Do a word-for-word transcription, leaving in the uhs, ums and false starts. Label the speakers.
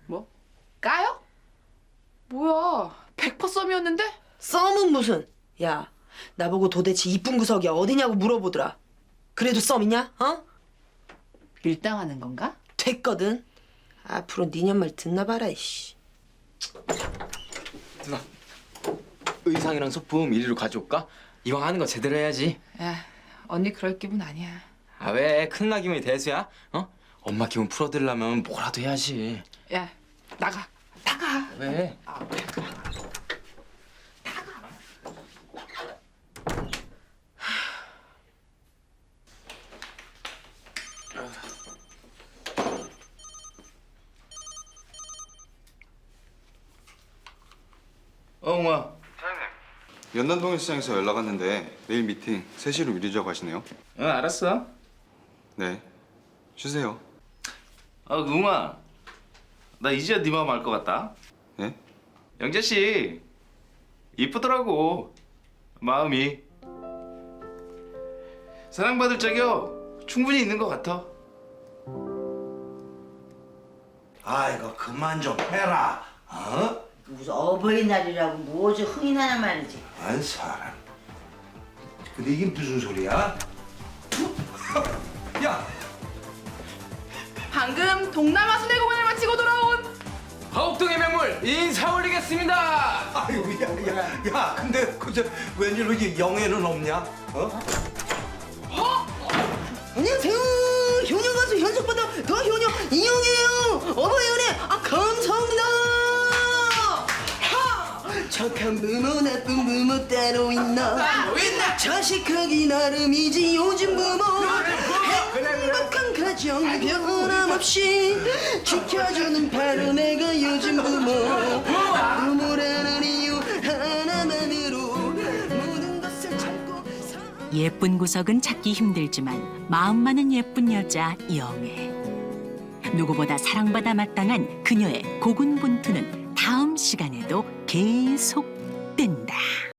Speaker 1: 뭐? 까요? 뭐야, 백 퍼센트 썸이었는데?
Speaker 2: 썸은 무슨? 야, 나보고 도대체 이쁜 구석이 어디냐고 물어보더라. 그래도 썸이냐? 어?
Speaker 1: 밀당하는 건가?
Speaker 2: 됐거든. 앞으로 니년 말 듣나 봐라, 이씨.
Speaker 3: 누나, 의상이랑 소품 이리로 가져올까? 이왕 하는 거 제대로 해야지.
Speaker 1: 야, 언니 그럴 기분 아니야.
Speaker 3: 아 왜? 큰누나 기분이 대수야? 어? 엄마 기분 풀어드리려면 뭐라도 해야지.
Speaker 1: 야, 나가, 나가.
Speaker 3: 왜?
Speaker 1: 아, 그래.
Speaker 4: 어, 웅아.
Speaker 5: 연남동일 시장에서 연락 왔는데 내일 미팅 세 시로 미루자고 하시네요.
Speaker 4: 응, 알았어.
Speaker 5: 네. 쉬세요.
Speaker 4: 아, 웅아. 나 이제야 네 마음 알 것 같다.
Speaker 5: 네?
Speaker 4: 영재 씨 이쁘더라고. 마음이. 사랑받을 적이요 충분히 있는 것 같아.
Speaker 6: 아이고 그만 좀 해라. 어?
Speaker 7: 무슨 어버이날이라고 뭐지 흥이나냐 말이지.
Speaker 6: 안 사람. 근데 이게 무슨 소리야? 야,
Speaker 1: 방금 동남아 순회 공연을 마치고 돌아온
Speaker 3: 화곡동의 명물 인사 올리겠습니다.
Speaker 6: 아유, 야, 야, 야, 근데 그저 웬일로 이게 영애는 없냐? 어?
Speaker 2: 안녕하세요. 효녀 가수 현숙보다 더 효녀 이영이에요. 어버이연애 아 감사합니다. 하! 착한 부모 나쁜 부모 따로 있나? 있나? 자식하기 나름이지 요즘 부모. 행복한 가정 변함없이 지켜주는 바로 내가 요즘 부모. 부모라는 이유 하나만으로 모든 것을 참고 살.
Speaker 8: 예쁜 구석은 찾기 힘들지만 마음만은 예쁜 여자 영애. 누구보다 사랑받아 마땅한 그녀의 고군분투는 다음 시간에도 계속된다.